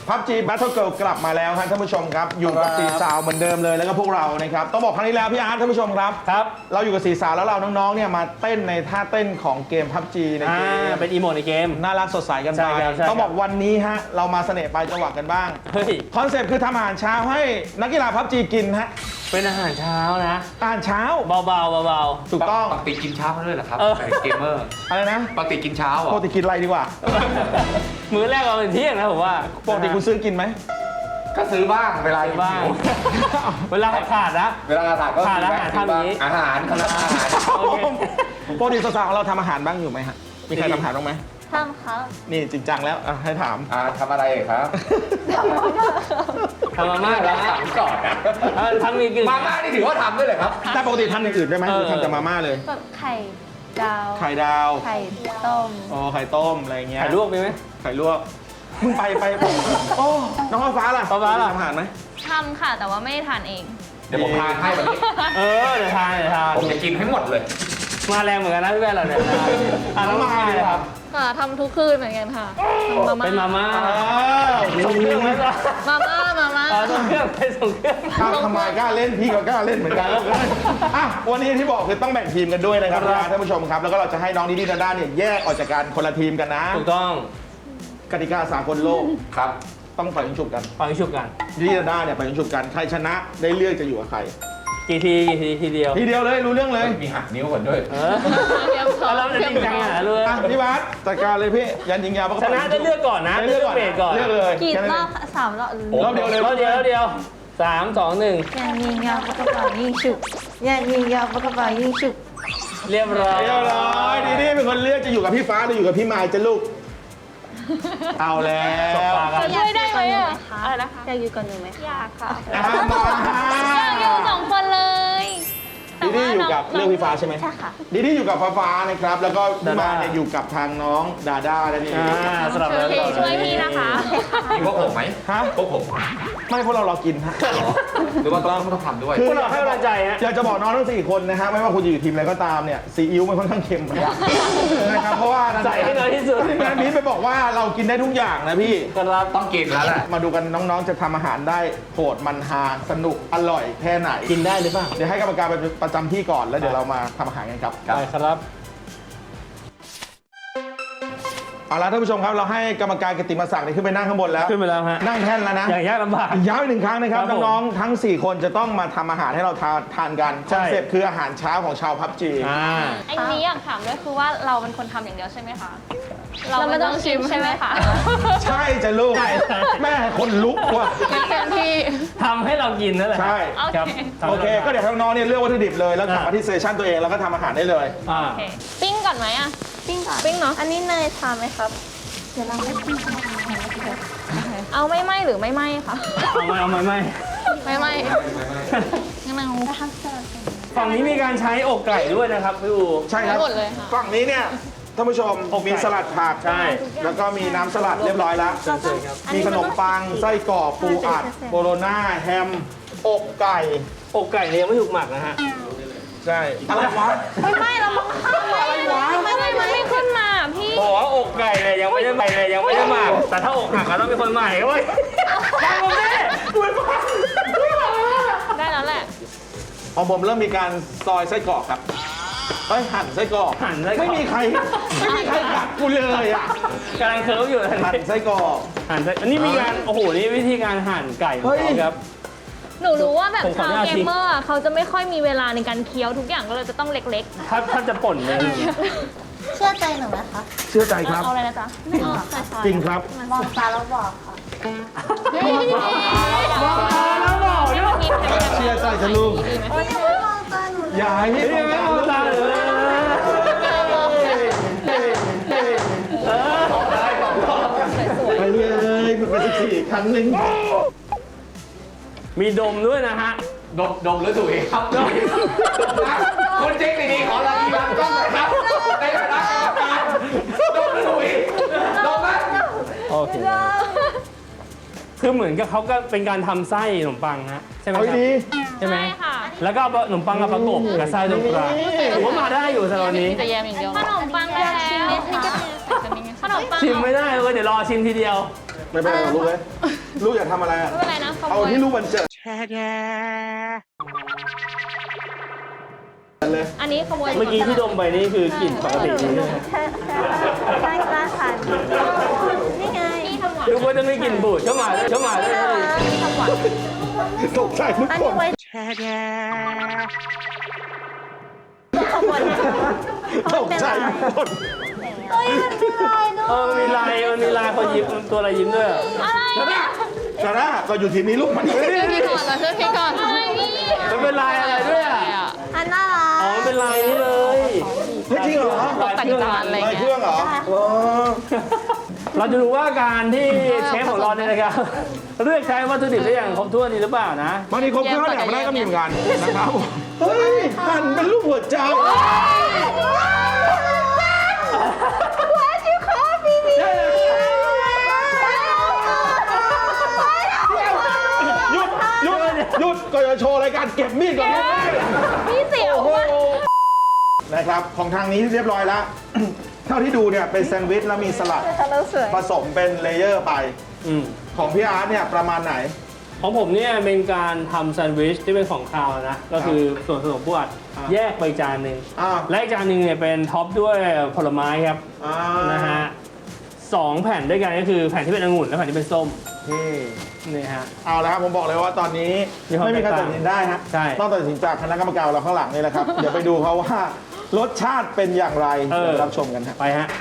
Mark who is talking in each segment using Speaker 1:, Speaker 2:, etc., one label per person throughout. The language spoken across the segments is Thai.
Speaker 1: PUBG Battle Girl กลับมาแล้วครับท่านผู้ชมครับอยู่กับสี่สาวเหมือนเดิมเลยแล้วก็พวกเรานะครับต้องบอกครั้งนี้แล้วพี่อาร์ตท่านผู้ชมครับเราอยู่กับสี่สาวแล้วเราน้องๆเนี่ยมาเต้นในท่าเต้นของเกม PUBG ในเกม
Speaker 2: เป็นอีโมดในเกม
Speaker 1: น่ารักสดใสกันไปต้องบอกวันนี้ฮะเรามาเสน่ห์ปลายจังหวะกันบ้างคอนเซ็ปต์คือทำอาหารเช้าให้นักกีฬา PUBG กินฮะ
Speaker 2: เป็นอาหารเช้านะ
Speaker 1: อาหารเช้า
Speaker 2: เบา
Speaker 1: ๆถูกต้อง
Speaker 3: ปกติกินเช้ามาด้วยเหรอครับเกมเมอร์
Speaker 1: อะไรนะ
Speaker 3: ปกติกินเช้า
Speaker 1: ปกติกินอะไรดีกว่า
Speaker 2: มื้อแรกเราเป็นเที่ยงนะผมว่า
Speaker 1: ปกติคุณซื้อกินไหม
Speaker 3: ก็ซื้อบ้างเวลา
Speaker 2: บ้างเวลาขาดนะ
Speaker 3: เวลาขาดก็
Speaker 2: ขาดอาหารทำนี้
Speaker 3: อาหาร
Speaker 1: ปกติสาวๆของเราทำอาหารบ้างอยู่ไหมฮะมีใครทำอาหารบ้างไหม
Speaker 4: ทำครับ
Speaker 1: นี่จริงจังแล้วให้ถาม
Speaker 3: ทำอะไรครับ
Speaker 2: ทำมาม่าแล้ว
Speaker 3: ถามก่อนนะ
Speaker 2: ทำมีกิน
Speaker 3: มาม่านี่ถือว่าทำด้วยเลยครับ
Speaker 1: แต่ปกติทำอย่างอื่นได้ไหมหรือทำแต่มาม่าเลย
Speaker 4: แบบไข่ดาว
Speaker 1: ไข่ต้มไข่ต้มอะไรเงี้ย
Speaker 2: ไข่ลวกมีไหม
Speaker 1: ไข่ลวกมึงไปโอ้น้องฟ้าล่ะ
Speaker 2: ฟ้าล่ะ
Speaker 1: ทำอาหารไหม
Speaker 4: ทำค่ะแต่ว่าไม่ได้ทานเอง
Speaker 3: เดี๋ยวผมทานให้วันนี้
Speaker 2: เดี๋ยวทาน
Speaker 3: ผมจะกินให้หมดเลย
Speaker 2: มาแรงเหมือนกันนะพี่แม่เราเนี่ย
Speaker 1: น้องมาเลยครับ
Speaker 4: ทำทุกคืนเหมือนกันค่ะ
Speaker 2: เป็นมาม่าส่งเครื่องไหมล่ะ
Speaker 4: มาม่า
Speaker 2: ส่งเครื่องไปส่งเครื่อง
Speaker 1: ทำไมกล้าเล่นพี่ก็กล้าเล่นเหมือนกันวันนี้ที่บอกคือต้องแบ่งทีมกันด้วยนะครับท่านผู้ชมครับแล้วก็เราจะให้น้องดิดี้ดาด้าเนี่ยแยกออกจากกันคนละทีมกันนะ
Speaker 2: ถูกต้อง
Speaker 1: กติกาสากลโลก
Speaker 3: ครับ
Speaker 1: ต้องปล่อยยิงฉุบกันดิดี้ดาด้าเนี่ยปล่อยยิงฉุบกันใครชนะได้เลือกจะอยู่กับใคร
Speaker 2: กี่ทีเดียว
Speaker 1: เลยรู้เรื่องเลย
Speaker 3: มีหักนิ้วก่อนด้วย
Speaker 2: เราจะจริงจังเลย
Speaker 1: พี่บาสจัดการเลยพี่ยันยิงยาว
Speaker 2: ชนะได้เลือกก่อนนะเลือกเบรกก่อน
Speaker 1: เลือกเลย
Speaker 4: กี่รอบ3 รอบ
Speaker 1: เดียวเลย
Speaker 2: 3 2 1
Speaker 4: ยันยิงยาวปากกระเป๋ายิงฉุบยันยิงยาวปากกระเป๋ายิงฉุบ
Speaker 2: เรียบร้อย
Speaker 1: ดิดี้เป็นคนเลือกจะอยู่กับพี่ฟ้าหรืออยู่กับพี่มายจะลูกเอาแล้ว
Speaker 4: ช่วยได้ไหมอะไรนะคะอยากอยู่ก่อนหนูไหมอยากค่ะอยากอยู่2 คนเลย
Speaker 1: ดิดี้อยู่กับเรื่องพี่ฟ้าใช่ไหม
Speaker 4: ใช่ค่ะ
Speaker 1: ดิดี้อยู่กับฟ้านะครับแล้วก็พี่มายเนี่ยอยู่กับทางน้องดาด้านั่นเอง
Speaker 2: สำหรับเรา
Speaker 4: ช่วยพี่นะคะ
Speaker 3: มีพวกผมไหมพวกผม
Speaker 1: ไม่พวกเรากินฮะ
Speaker 3: หรือว่าต้องทำด้วย
Speaker 2: พวกเราให้กำลังใจฮะ
Speaker 1: อยากจะบอกน้องทั้ง4 คนนะฮะไม่ว่าคุณจะอยู่ทีมอะไรก็ตามเนี่ยซีอิ๊วมันค่อนข้างเค็มนะครับเพราะว่า
Speaker 2: ใส่ให้น้อยที่สุด
Speaker 1: งานนี้ไปบอกว่าเรากินได้ทุกอย่างนะพี่
Speaker 2: ก็เรา
Speaker 3: ต้องกินแล้วแหละ
Speaker 1: มาดูกันน้องๆจะทำอาหารได้โหดมันฮาสนุกอร่อยแค่ไหน
Speaker 2: กินได้หรือเปล่า
Speaker 1: เดี๋ยวให้กรรมการไปประจำที่ก่อนแล้วเดี๋ยวเรามาทำอาหารกันครับ
Speaker 2: ได้ครับ
Speaker 1: เอาละท่านผู้ชมครับเราให้กรรมการกิตติมศักดิ์ขึ้นไปนั่งข้างบนแล้ว
Speaker 2: ขึ้นไปแล้วฮะ
Speaker 1: นั่งแท่นแล้วนะ
Speaker 2: อย่างยากลำบาก
Speaker 1: ย้ำ1 ครั้งนะครับน้องๆทั้ง4 คนจะต้องมาทำอาหารให้เราทานกันคอนเซ็ปต์คืออาหารเช้าของชาวPUBG
Speaker 4: อันนี้อยากถามด้วยคือว่าเราเป็นคนทำอย่างเดียวใช่ไหมคะเราไม่ต้องชิมใช่ไหมคะ
Speaker 1: ใช่จะลูกแม่คนลุกว่ะ
Speaker 4: เต็มที่
Speaker 2: ทำให้เรากินนั่นแหละ
Speaker 1: ใช่
Speaker 2: ครับ
Speaker 1: โอเคก็เดี๋ยวน้องๆเนี่ยเลือกวัตถุดิบเลยแล้วกลับมาที่สเตชันตัวเองแล้วก็ทำอาหารได้เลย
Speaker 4: ปิ้งก่อนไหมอ่ะปิ้งก่อนปิ้งเนาะอันนี้เนยทานไหมครับเดี๋ยวเราให้ปิ้งเอาไม่ไหมหรือไม่ไหมคะ
Speaker 2: เอาไม่
Speaker 4: งั้นเรา
Speaker 2: ฝั่งนี้มีการใช้อกไก่ด้วยนะครับพี่อู
Speaker 1: ใช่ครับฝั่งนี้เนี่ยท่านผู้ชมมีสลัดผัก
Speaker 2: ใช่
Speaker 1: แล้วก็มีน้ำสลัดเรียบร้อยแล้วมีขนมปังไส้กรอกปูอัดโบโลน่าแฮมอกไก่
Speaker 2: เนี่ยยังไม่ถูกหมักนะฮะ
Speaker 1: ใช่อะไรวะ
Speaker 4: ไม่เราอะไรวะไม่ขึ้นมาพี่
Speaker 2: บอกว่าอกไก่เนี่ยยังไม่ได้หมักแต่ถ้าอกหักก็ต้องเป็นคนใหม่เว้ยฟังผมดิ
Speaker 4: ได้แล้วแหละ
Speaker 1: ของผมเริ่มมีการซอยไส้กรอกครับหั่นไส้กรอกไม่มีใครกัดกูเลยอ่ะ
Speaker 2: กำลังเคิร์ฟอยู่
Speaker 1: หั่นไส้กรอก
Speaker 2: อันนี้มีการโอ้โหนี่วิธีการหั่นไก่ครับ
Speaker 4: หนูรู้ว่าแบบชาวเกมเมอร์เขาจะไม่ค่อยมีเวลาในการเคี้ยวทุกอย่างก็เลยจะต้องเล็ก
Speaker 2: ๆถ้าจะป่นเลย
Speaker 4: เชื่อใจหนูไหมคะ
Speaker 1: เชื่อใจครับ
Speaker 4: เอาอะไรนะจ๊ะไม่เอา
Speaker 1: จริงครับ
Speaker 4: มองตาแล้วบอกค่ะ
Speaker 2: มองตาแล้วบอก
Speaker 1: เชื่อใจจะลูกอย่าให้พี่
Speaker 2: มองตาเลย
Speaker 1: ไปเลยเป็น14 ครั้งนึง
Speaker 2: มีดมด้วยนะฮะ
Speaker 3: ดมหรือถุยครับคนเจ๊กดีๆขอรายงานกล้องหน่อยครับในฐานะกรรมการดมหรือถุยดมไหม
Speaker 2: โอเคคือเหมือนกับเขาก็เป็นการทำไส้ขนมปังฮะใช่ไหมครับใช่ไหมแล้วก็ขนมปังกับประกบกับไส้ตรงกลางถือว่ามาได้อยู่สำหรับนี้
Speaker 4: จะแยมอย่างเดียวขนมปังแล้วขนมปัง
Speaker 2: ชิมไม่ได้เลยเดี๋ยวรอชิมทีเดียว
Speaker 1: ไม่เป็นไรหรอกลูกเลยลูกอยากทำอะไรอะ
Speaker 4: ไม่เป็นไรนะขโม
Speaker 1: เอา
Speaker 4: ย
Speaker 1: ที่ลูกมันเจอเลย
Speaker 4: อันนี้ขโมย
Speaker 2: เมื่อกี้ที่ดมไปนี่คือกลิ่นปกตินี่
Speaker 5: ใช่กล้าทานนี่ไง
Speaker 4: นี่ทำหวาน
Speaker 2: ดูว่าจะไม่กลิ่นบูดเข้ามาเลย
Speaker 4: นี่ทำหวาน
Speaker 1: ตกใจทุก
Speaker 5: อัน
Speaker 1: ค
Speaker 5: นี้
Speaker 1: น
Speaker 5: ไว้ขบวน
Speaker 1: ตกใจทุกคน
Speaker 5: เฮ้ยมันเป็นลายด้วย
Speaker 2: มันมีลายคนยิ้มตัวอะไรยิ้มด้วย
Speaker 4: อะไร
Speaker 1: ซาร่าก็อยู่ทีมนี้ลูกมันอยู่นี่
Speaker 4: พี่ก่อนเหรอช่วยพี่ก่อนอะไรนี่
Speaker 2: มันเป็นลายอะไรด้วยอ่ะ
Speaker 5: อันน่ารั
Speaker 2: อ๋อก มันเป็นลายนี้เลย
Speaker 1: เฮ้ยจริงเหรอ
Speaker 4: แต่งจานอะไร
Speaker 1: ลายเครื่องเหรออ๋อ
Speaker 2: เราจะรู้ว่าการที่เชฟของเราเนี่ยนะครับเลือกใช้วัตถุดิบได้อย่างครบถ้วนดีหรือเปล่านะ
Speaker 1: บางทีครบเครื่องเนี่ยไม่ได้ก็มีเหมือนกันนะครับเฮ้ยหั่นเป็นรูปหัวใจ หยุดก่อนจะโชว์รายการเก็บมีดก่อน
Speaker 4: พี่เสี่ยว
Speaker 1: โอ้โหนะครับของทางนี้เรียบร้อยแล้ว เท่าที่ดูเนี่ยเป็นแซนด์วิชแล้วมีสลัด
Speaker 5: แล้วสวย
Speaker 1: ผสมเป็นเลเยอร์ไป
Speaker 2: อืม
Speaker 1: ของพี่อาร์ตเนี่ยประมาณไหน
Speaker 2: ของผมเนี่ยเป็นการทำแซนด์วิชที่เป็นของคาวนะ ก็คือส่วนผสมพวกแยกไปจานหนึ่ง
Speaker 1: อ่า
Speaker 2: และอีกจานหนึ่งเนี่ยเป็นท็อปด้วยผลไม้ครับ
Speaker 1: อ่า
Speaker 2: นะฮะ2 แผ่นด้วยกันก็คือแผ่นที่เป็นองุ่นและแผ่นที่เป็นส้ม
Speaker 1: นี่
Speaker 2: นี่ฮะ
Speaker 1: เอาละครับผมบอกเลยว่าตอนนี้
Speaker 2: มีความ
Speaker 1: ไม่มีใคร
Speaker 2: แตก
Speaker 1: ตั
Speaker 2: ต่าง
Speaker 1: ดสินได้ฮะ
Speaker 2: ใช่
Speaker 1: ต้องตัดสินจากคณะกรรมการเราข้างหลังนี่แหละครับ เดี๋ยวไปดูเขาว่ารสชาติเป็นอย่างไรเดี๋ยวรับชมกันครับ
Speaker 2: ไปฮะ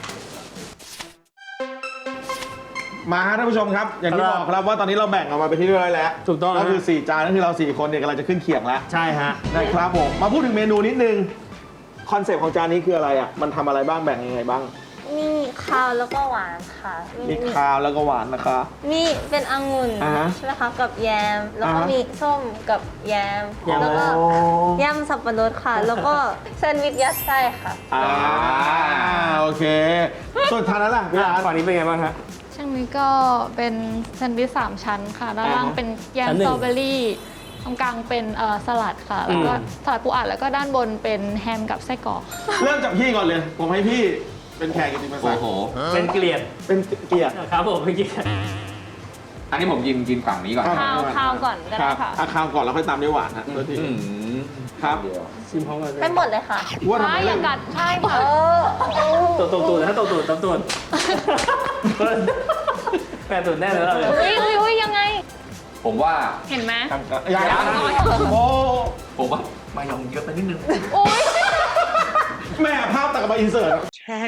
Speaker 1: มาฮะท่านผู้ชมครับ อย่างที่
Speaker 2: ครับ
Speaker 1: บอกครับว่าตอนนี้เราแบ่งออกมาเป็นที่เรียบร้อยแล้ว
Speaker 2: ถูกต้อง
Speaker 1: ก็คือ
Speaker 2: ฮะ
Speaker 1: 4 จานก็คือเรา 4 คนเนี่ยกำลังจะขึ้นเขียงแล้ว
Speaker 2: ใช่ฮะ
Speaker 1: นะครับผมมาพูดถึงเมนูนิดนึงคอนเซปต์ของจานนี้คืออะไรอ่ะมันทำอะไรบ้างแบ่งยังไงบ้าง
Speaker 5: มีข้าวแล้วก็หวานค่ะ
Speaker 1: มีคาวแล้วก็หวานนะคะ
Speaker 5: มีเป็นองุ่น
Speaker 1: อ่าฮะ
Speaker 5: ใช่ไหมคะกับแยม แล้วก็
Speaker 1: อ่าฮะ
Speaker 5: มีส้มกับแยม แล้วก็
Speaker 1: อ๋อย
Speaker 5: ำสับปะรดค่ะ แล้วก็แซนด์วิชยัดไส้ค่ะ
Speaker 1: โอเค ส่วนทานนั้นล่ะพี่ร้าน
Speaker 2: ฝั่งนี้เป็นไงบ้างฮะ
Speaker 4: ช่างนี้ก็เป็นแซนด์วิช3 ชั้นค่ะด้านล่างเป็นแยม
Speaker 2: ชั้นหนึ่
Speaker 4: ส
Speaker 2: ง
Speaker 4: ตรอเบอรี่ตรงกลางเป็นสลัดค่ะ แล้วก็สลัดปูอัดแล้วก็ด้านบนเป็นแฮมกับไส้กรอก
Speaker 1: เริ่มจากพี่ก่อนเลย ผมให้พี่เป็นแขกกิตติมศักดิ์
Speaker 2: เป็นเกลียด
Speaker 1: เป็นเกียรติ
Speaker 2: ครับผมเป็นเกลียด
Speaker 3: อันนี้ผมกินฝั่งนี้ก่อน
Speaker 1: อ่ะ
Speaker 4: ข้าวก่อนก็
Speaker 1: ค
Speaker 4: ได้
Speaker 1: รับ
Speaker 4: ค่ะ
Speaker 1: อาคาวก่อนแล้วค่อยตามด้วยหวานฮะโทษที
Speaker 3: อืม
Speaker 1: ครับ
Speaker 2: ชิมพร้อมกันเลย
Speaker 5: เป็นหมดเลยค่ะ
Speaker 1: ว่าทำ
Speaker 4: ใช่
Speaker 1: ไม
Speaker 4: อย่ากัดใช่ค่ะ
Speaker 2: ตูดนะตูดแปดตูดแน่เลยเราเลย
Speaker 4: อุ้ยยังไง
Speaker 3: ผมว่า
Speaker 4: เห็นไหม
Speaker 1: ยังโอ้
Speaker 3: ผมว่ามายองเยอะไปนิดนึง
Speaker 4: โอ้ย
Speaker 1: แม่ภาพตัดมาอินเสิร์ต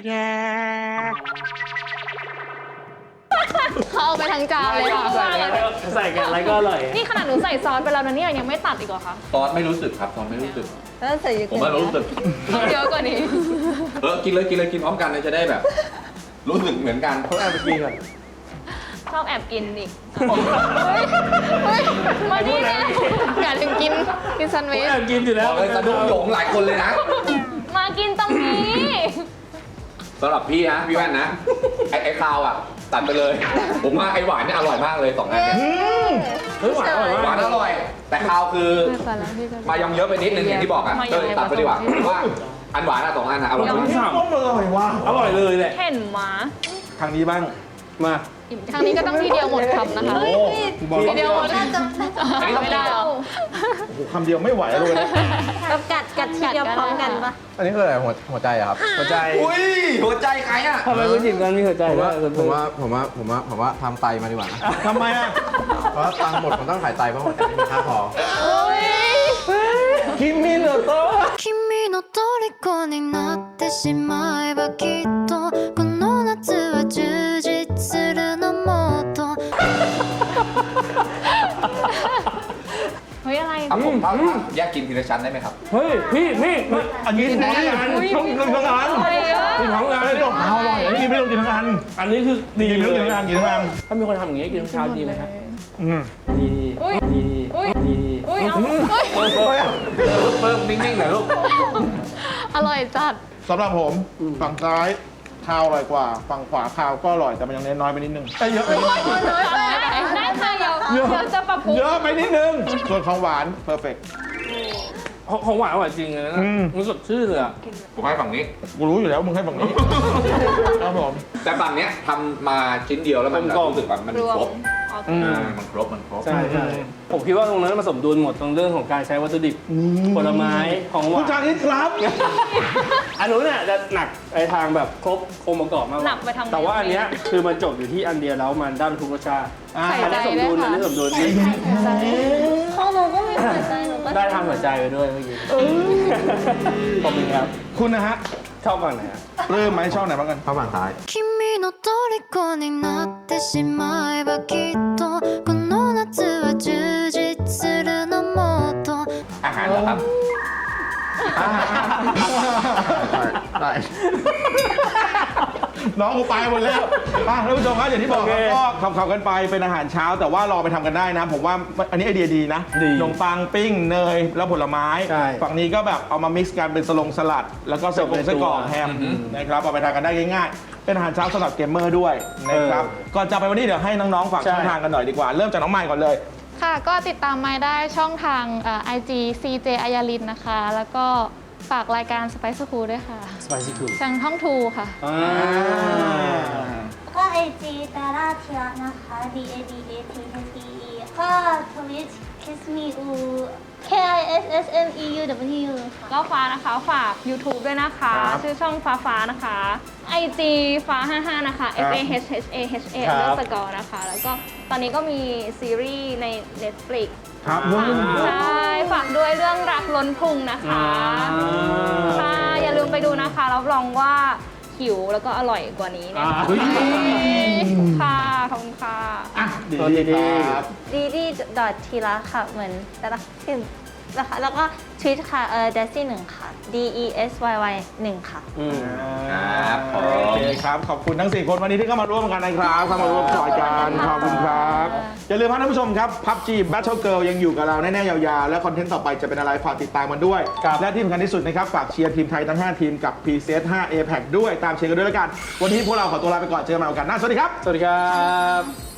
Speaker 4: เขาเอาไปทั้งจานเลยค่ะ
Speaker 2: ใส่กันอะไรก็อร่อย
Speaker 4: นี่ขนาดหนูใส่ซอสไปแล้วนะเนี่ยยังไม่ตัดอีกเหรอคะ
Speaker 3: ซอสไม่รู้สึกครับซอสไม่รู้สึก
Speaker 5: แล้วใส่เยอะ
Speaker 3: ผม
Speaker 5: เกิน
Speaker 3: ว่ารู้สึก
Speaker 4: เอาเยอะกว่านี้
Speaker 3: กินเลยกินพร้อมกันเลยจะได้แบบ รู้สึกเหมือนกัน
Speaker 2: เขาแอบไปกินก่อน
Speaker 4: ชอบแอบกินอีกเฮ้ยมาดิเนี่ยอยากถึงกินแซนด์วิช
Speaker 2: แอบกินอยู่
Speaker 3: บ
Speaker 2: แล้ว
Speaker 3: อกเลยสะดุ้งโหยงหลายคนเลยนะ
Speaker 4: มากินตรงนี้
Speaker 3: สำหรับพี่นะพี่แว่นนะ ไอ้คาวอ่ะ ตัดไปเลย ผมว่าไอ้หวานเนี่ยอร่อยมากเลย2 อันเนี่ย
Speaker 2: เฮ้ยหวานอร่อย
Speaker 3: หวาน
Speaker 2: มาก
Speaker 3: อร่อย แต่คาวคือ
Speaker 4: แต่ละพี่ก็
Speaker 3: มายองเยอะไปนิดนึงอย่างที่บอกอ่ะ
Speaker 4: มาย
Speaker 3: ก็
Speaker 4: อง
Speaker 3: เลยตัดไปดีกว่าผมว่าอันหวานอ่ะ2 อันอ่ะอร่อย
Speaker 2: ยัง
Speaker 3: มาก
Speaker 2: ไม่สั่ง
Speaker 1: ต้มอร่อยว่ะ
Speaker 2: อร่อยเลยแหละ
Speaker 4: เห็นหมา
Speaker 1: ทางนี้บ้าง
Speaker 2: มา
Speaker 4: ทางนี้ก็ต้องทีเดียวหมดคำนะคะ
Speaker 1: โอ้บอก
Speaker 4: ทีเดียวหมด
Speaker 5: น่าจะ
Speaker 4: ไม่ได้หรอ
Speaker 1: โอ้โหคำเดียวไม่ไหวเลยนะ
Speaker 5: กับกัดทีเดียวพร้อมกันปะ
Speaker 6: อันนี้คืออะไรหัวใจอะครับ
Speaker 2: หัวใจ
Speaker 3: อุ้ยหัวใจใครอ่ะ
Speaker 2: ทำไมคุณหยิบกันมีหัวใจ
Speaker 6: ผม
Speaker 2: ด้ว
Speaker 6: ว่าย ทำไตมาดีกว่านะ
Speaker 1: ทำไมอ่ะ
Speaker 6: เพราะว่าตังค์หมดผมต้องขายไตเพราะหัวใจไม่มีค่าพอ
Speaker 1: คิมมิโนโตะ
Speaker 7: 君の虜になってしまえばきっとこの夏は充実するのもっと
Speaker 4: เฮ้ยอะไร
Speaker 3: ครับผมแยกกินทีละชั้นได้ไหมครับ
Speaker 2: เฮ้ยพี่นี่
Speaker 1: อันนี้พร้อมกันต้องกินทั้งอัน
Speaker 2: กินพร้อมกัน
Speaker 1: ไม่ต้องเอาอร่อยอันนี้ไม่ต้องกินทั้งอัน
Speaker 2: อันนี้คือดี
Speaker 1: กินไม่ต้องกินทั้งอันกินทั้งอัน
Speaker 2: ถ้ามีคนทำอย่างงี้กินเช้าดีไหมครับ
Speaker 1: อืม
Speaker 2: ดีดี
Speaker 4: อุ้ย
Speaker 2: ดี
Speaker 4: อุ้ยเอาอุ้ย
Speaker 3: เพิ่มนิ่งๆหน่อยลูก
Speaker 4: อร่อยจัด
Speaker 1: สำหรับผมฝั่งซ้ายข้าวอร่อยกว่า ฝั่งขวาข้าวก็อร่อยแต่มันยังน้อยไปนิดนึงเยอะไปนิดนึง
Speaker 4: ได้ค่ะเดี๋ยวจะปรับปรุง
Speaker 1: เยอะไปนิดนึงส่วนของหวานเพอร์เฟกต์
Speaker 2: ของหวานอร่อยจริงเลยนะมันสดชื่นเลยอะ
Speaker 3: ผมให้ฝั่งนี้
Speaker 1: กูรู้อยู่แล้วมึงให้ฝั่งนี้ครับผม
Speaker 3: แต่ฝั่งเนี้ยทำมาชิ้นเดียวแล้วมันรู้สึกว่ามัน
Speaker 4: รวม
Speaker 3: ครบ
Speaker 4: โอเค
Speaker 3: มันครบ
Speaker 2: ใช่ใช่ผมคิดว่าตรงนั้นมันสมดุลหมดตรงเรื่องของการใช้วัตถุดิบผลไม้ของหวา
Speaker 1: คุณชาน ลิศครับ
Speaker 2: อันนู้นเนี่ยจะหนักไอทางแบบครบองค์ประกอบมากกว่า
Speaker 4: หนักไปทาง
Speaker 2: แต่ว่าอันเนี้ยคือมันจบอยู่ที่อันเดียวแล้วมันได้ทุกรสชาติ
Speaker 4: ใส่
Speaker 2: อัน
Speaker 4: ใจ
Speaker 2: นี้สม
Speaker 4: ด้ว
Speaker 2: ดุ
Speaker 4: ย
Speaker 2: ลอัน
Speaker 4: ค่ะ
Speaker 2: นี้สมดุล
Speaker 5: ของหนูก็มีหัวใจหนูก็
Speaker 2: ได้ทำหัวใจไปด้วยเมื่อกี้ขอบคุณครับ
Speaker 1: คุณนะฮะ
Speaker 2: ชอบฝั่งไหนอะ
Speaker 1: เริ่มไหมชอบไหนบ้างกัน
Speaker 6: เข้าฝั่งซ้าย
Speaker 7: 君の虜になってしまえばきっとこの夏は充実するのもっと
Speaker 3: อาหารเหรอครับ
Speaker 6: ได้
Speaker 1: น้องกูไปหมดแล้วท่านผู้ชมครับอย่างที่บอกครับก็ขับกันไปเป็นอาหารเช้าแต่ว่ารอไปทำกันได้นะ ผมว่าอันนี้ไอเดียดีนะขนมปังปิ้งเนยแล้วผลไม้ ฝั่งนี้ก็แบบเอามามิกซ์กันเป็นสลัด แล้วก็เสิร์ฟเป็นไส้กรอกแฮมนะครับเอาไปทานกันได้ง่ายๆเป็นอาหารเช้าสำหรับเกมเมอร์ด้วยนะครับก่อนจะไปวันนี้เดี๋ยวให้น้องๆฝากช่องทางกันหน่อยดีกว่าเริ่มจากน้องใหม่ก่อนเลย
Speaker 8: ค่ะก็ติดตามไม้ได้ช่องทางIG CJ อายาลินนะคะ แล้วก็ฝากรายการ Spice Cool ด้วยค่ะ
Speaker 2: สไปซี่คูล
Speaker 8: ทางท่องทูค่ะ
Speaker 5: ก็ไอจีดาราเทียนะคะ DADATHEE ก็ทวิต kiss me u KISSMEUW ค่ะ
Speaker 4: ก็ฟ้านะคะฝาก YouTube ด้วยนะคะ
Speaker 1: ครับ
Speaker 4: ชื่อช่องฟ้านะคะ IG ฟ้า 55 นะคะ FAHHAHA
Speaker 1: ครับ
Speaker 4: เลือกสกอร์นะคะ แล้วก็ตอนนี้ก็มีซีรีส์ใน Netflix
Speaker 1: ครับ
Speaker 4: ใช่ฝากด้วยเรื่องรักล้นพุงนะคะค่ะอย่าลืมไปดูนะคะรับรองว่าหิวแล้วก็อร่อยกว่านี้แน่นอนค่ะขอบคุณค่ะ
Speaker 2: สวัสดีครับ
Speaker 5: ดีดีดอททีละค่ะ เหมือนดาราขึ้นนะคะแล้วก็ทวิตค่ะDaisy 1 ค่ะ DESYY 1 ค่ะ
Speaker 3: ครับผ
Speaker 1: โอ
Speaker 3: ม
Speaker 1: เคครับ ขอบคุณทั้ง 4 คนวันนี้ที่เข้ามาร่วมกันนะครับเข้ามาร่วมสอยกันขอบคุณครับ อย่าลืมท่านผู้ชมครับ PUBG Battle Girl ยังอยู่กับเราแน่ๆยาวๆ และคอนเทนต์ต่อไปจะเป็นอะไรฝากติดตามกันด้วย และที่สำคัญที่สุดนะครับ ฝากเชียร์ทีมไทยทั้ง 5 ทีมกับ PCS 5 APAC ด้วยตามเชียร์กันด้วยแล้วกัน วันนี้พวกเราขอตัวลาไปก่อนเจอกันใหม่โอกาสหน้าสวัสดีครับ
Speaker 2: สวัสดีครับ